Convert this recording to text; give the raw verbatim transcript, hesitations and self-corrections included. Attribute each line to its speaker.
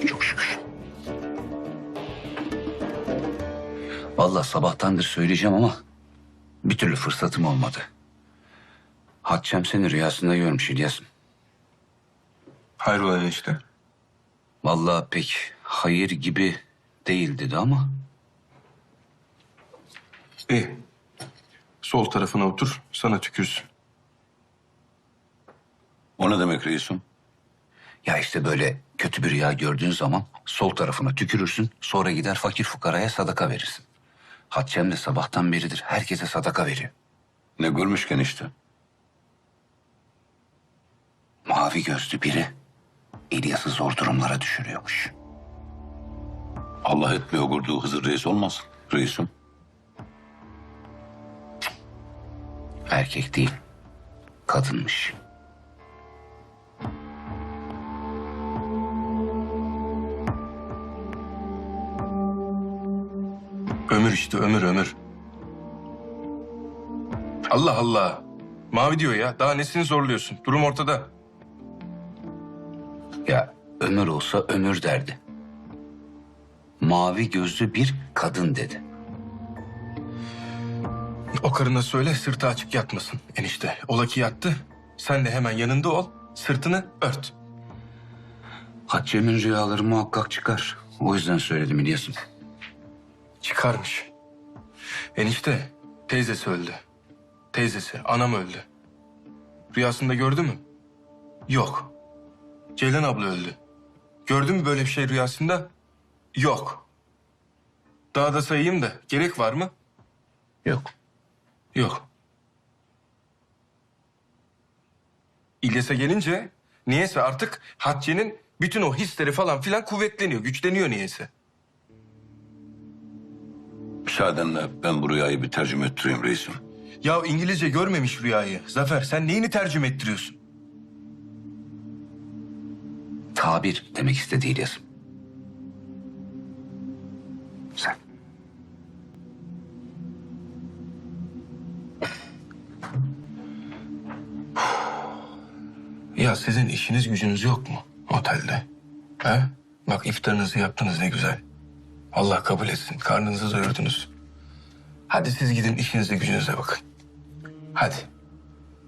Speaker 1: çok şükür. Vallahi sabahtandır söyleyeceğim ama bir türlü fırsatım olmadı. Hatçem seni rüyasında görmüş İlyas'ım.
Speaker 2: Hayrola enişte?
Speaker 1: Vallahi pek hayır gibi değil dedi ama
Speaker 2: İyi. Sol tarafına otur, sana tükürsün.
Speaker 3: O ne demek reisim?
Speaker 1: ya işte böyle kötü bir rüya gördüğün zaman sol tarafına tükürürsün, sonra gider fakir fukaraya sadaka verirsin. Hatçem de sabahtan beridir herkese sadaka veriyor.
Speaker 3: Ne görmüşken işte.
Speaker 1: Mavi gözlü biri İlyas'ı zor durumlara düşürüyormuş.
Speaker 3: Allah etmiyor kurduğu Hızır reis olmaz reisim.
Speaker 1: Erkek değil, kadınmış.
Speaker 2: Ömür işte, ömür, ömür. Allah Allah. Mavi diyor ya, daha nesini zorluyorsun? Durum ortada.
Speaker 1: Ya ömür olsa ömür derdi. Mavi gözlü bir kadın dedi.
Speaker 2: O karına söyle, sırtı açık yatmasın enişte. Ola ki yattı, sen de hemen yanında ol, sırtını ört.
Speaker 1: Hatçem'in rüyaları muhakkak çıkar. O yüzden söyledim İlyas'ım.
Speaker 2: Çıkarmış. Enişte, teyzesi öldü. Teyzesi, anam öldü. Rüyasında gördü mü? Yok. Ceylan abla öldü. Gördün mü böyle bir şey rüyasında? Yok. Daha da sayayım da gerek var mı?
Speaker 1: Yok.
Speaker 2: Yok. İlyas'a gelince niyeyse artık Hatice'nin bütün o hisleri falan filan kuvvetleniyor, güçleniyor niyeyse.
Speaker 3: Müsaadenle ben bu rüyayı bir tercüme ettireyim reisim.
Speaker 2: Ya İngilizce görmemiş rüyayı. Zafer sen neyini tercüme ettiriyorsun?
Speaker 1: Tabir demek istedi İlyas'ım. Sen.
Speaker 2: Ya sizin işiniz gücünüz yok mu otelde? He? Bak iftarınızı yaptınız ne güzel. Allah kabul etsin. Karnınızı doyurdunuz. Hadi siz gidin işinize gücünüze bakın. Hadi.